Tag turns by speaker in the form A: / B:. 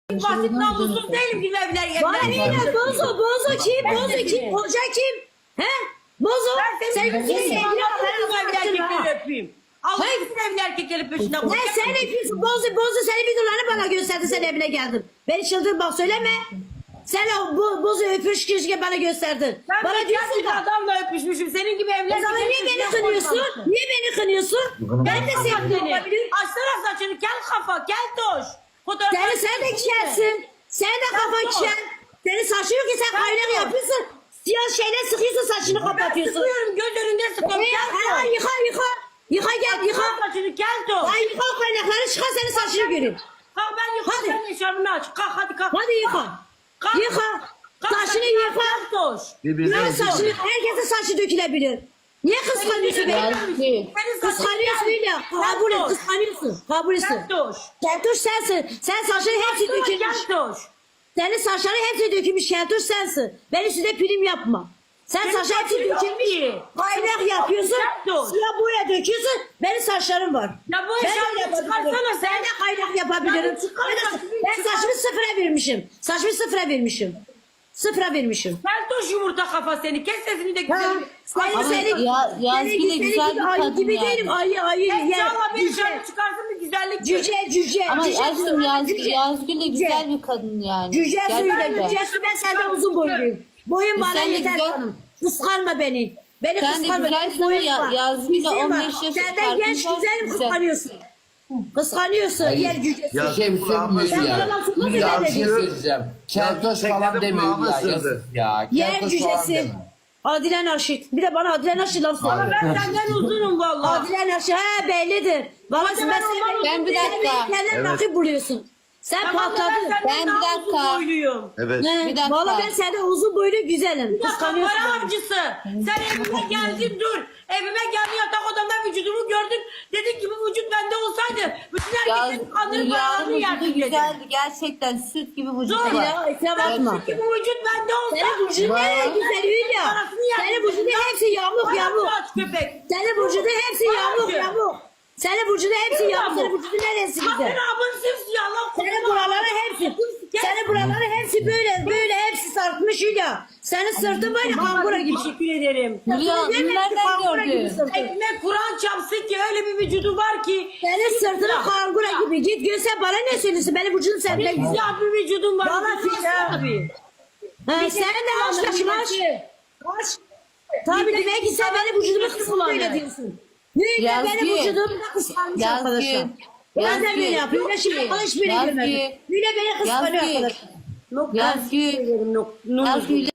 A: Basit namussuz değilim gibi evler
B: Bana ne bozo kim? Bozo kim? Hoca kim? He? Bozo. Sen
A: erkekleri öpeyim. Allah'ın bütün evli erkekleri peşinden
B: Ne sen yapıyorsun? Bozo senin videolarını bana gösterdi, sen evine geldin. Beni çıldırma söyleme. Sen o bozu öpüş kişiye bana gösterdin.
A: Ben
B: Bana diyorsun
A: bir
B: da.
A: adamla öpüşmüşüm. Senin gibi evli
B: O zaman niye beni
A: peşinden
B: kınıyorsun?
A: koşmamışsın.
B: Niye beni kınıyorsun? Ben de sevdim olabilirim.
A: Açsana saçını, kel kafa, kel toş.
B: Sen de kelsin. Sen de kafan kel. Senin saçın yok ki, sen kaynak yapıyorsun. Siyah şeyler sıkıyorsun, saçını
A: Ben
B: kapatıyorsun.
A: sıkıyorum, göz önünde sıkıyorum. Kel toş.
B: Yıka. Yıka gel yıka.
A: Saçını kel toş.
B: Ay yıka o kaynakları, çıkar senin saçını göreyim.
A: Kalk ben yıkayım,
B: Hadi.
A: sen eşarbını aç. Kalk hadi kalk.
B: Hadi yıka.
A: Kalk.
B: Yıka.
A: Kalk,
B: Saçını
A: kel
B: yıka.
A: toş.
B: Böyle saçını, herkesin saçı dökülebilir. Niye kıskanıyorsun beni? Kıskanıyorsun ya. Kabul et, kıskanıyorsun. Kabul etsin.
A: Kel toş.
B: Keltoş sensin. Sen saçların hepsi dökülmüş.
A: Kel toş.
B: Senin saçların hepsi dökülmüş. Keltoş sensin. Ben üstüne prim yapma. Sen saçların hepsi dökülmüş. Kaynak yapıyorsun. Siyah boya döküyorsun. Benim saçlarım var.
A: Ya bu
B: Ben
A: eşarbını
B: de yapabilirim.
A: çıkarsana sen.
B: Ben de kaynak yapabilirim. Ben saçımı sıfıra vermişim. Saçımı sıfıra vermişim. Sıfıra vermişim.
A: Keltoş yumurta kafa seni. Kes sesini de
B: Ha,
A: güzel.
C: Yazgül de güzel bir
B: ayı
C: kadın
B: gibi
C: yani.
B: değilim. Ayı.
A: İnşallah bir
B: Cüce.
A: şarkı çıkarsın bir güzellik.
B: Cüce.
C: Ama
B: Cüce.
C: aşkım Yazgül de güzel bir kadın yani.
B: Cüce suyuyla.
C: Gerçekten.
B: Cüce su, ben senden uzun boyluyum. Boyun bana
C: Sen de
B: yeter
C: güzel-
B: canım. Kıskanma beni. Beni
C: Sen de
B: kıskanma.
C: güzelsin
B: Benim boyum
C: ama
B: var.
C: Yazgül'le
B: Bir şey var.
C: 15 yaş
B: Senden
C: farkın
B: genç
C: var,
B: güzelim,
C: güzel.
B: kıskanıyorsun. Kıskanıyorsun. Yer cücesi.
D: Ya,
E: Bir şey söylemiyor
B: Sen
E: ya.
B: bana lafını
E: Ya
B: söyle
E: bir şey
B: diyorsun.
E: söyleyeceğim. Keltoş
D: tekrar
E: falan demiyor
D: kulağıma
E: ya.
D: sığdı.
E: Yazık ya.
B: Yer
E: Keltoş falan
B: cücesi.
E: deme.
B: Adile Naşit. Bir de bana Adile Naşit laf söyle.
A: Ama ben senden uzunum valla.
B: Adile Naşit. He bellidir. Vallahi
A: Hadi ben olmam.
C: Ben bir dakika.
B: Kendine rakip buluyorsun. Sen
A: Tamam da
B: patladın.
C: Ben bir
A: daha uzun
C: dakika.
A: boyluyum.
D: Evet.
B: Ne?
C: Bir dakika.
B: Valla ben senden uzun boylu güzelim.
A: Ya
B: Kıskanıyorsun
A: para
B: beni.
A: avcısı. Sen evime geldin dur. Evime geldin yatak odamda vücudumu gördün. Dedin ki bu vücut bende olsaydı. Bütün erkeklerin kandırıp paralarını
C: Hülya'nın
A: yerdim
C: vücudu
A: dedin.
C: güzeldi. Gerçekten süt gibi vücudu
A: Zor
C: var.
B: Ya itiraf atma.
A: Ki bu vücut bende olsa.
B: Senin vücudun nereye güzel Hülya?
A: Parasını yerdim.
B: Senin vücudun hepsi yamuk
A: Parasını aç köpek.
B: Senin vücudun hepsi yamuk. Senin vücudun hepsi yamuk. Senin vücudun neresi güzel?
A: Kadın abın simsiyah lan.
B: Senin buraları hepsi. Senin buraları hepsi böyle hepsi sarkmış Hülya. Senin sırtın böyle kangura gibi.
A: Teşekkür ederim.
C: Hülya
B: Sırtın
C: nereden
B: kangura gibi
C: gördün?
B: sırtın.
A: Ekmek Kur'an çapsın ki öyle bir vücudu var ki.
B: Senin sırtın kangura gibi. Git görsen bana ne söylüyorsun? Benim vücudum senden güzel.
A: Siyah bir vücudun var.
B: Bana filan.
A: Abi.
B: Ha, sen de kaç. Tabii demek ki sen benim vücudumu kıskanma öyle diyorsun. Hülya
C: Yazgül.
B: benim vücudumu da kıskanmış
C: Yazgül.
B: arkadaşlar. Ben de böyle
C: Yazgül.
B: yapıyorum. Hülya şimdi alışveriş
C: Yazgül.
B: görmedim. Hülya beni kıskanıyor
C: Yazgül.
B: arkadaşlar.
C: Yazgül. Yazgül.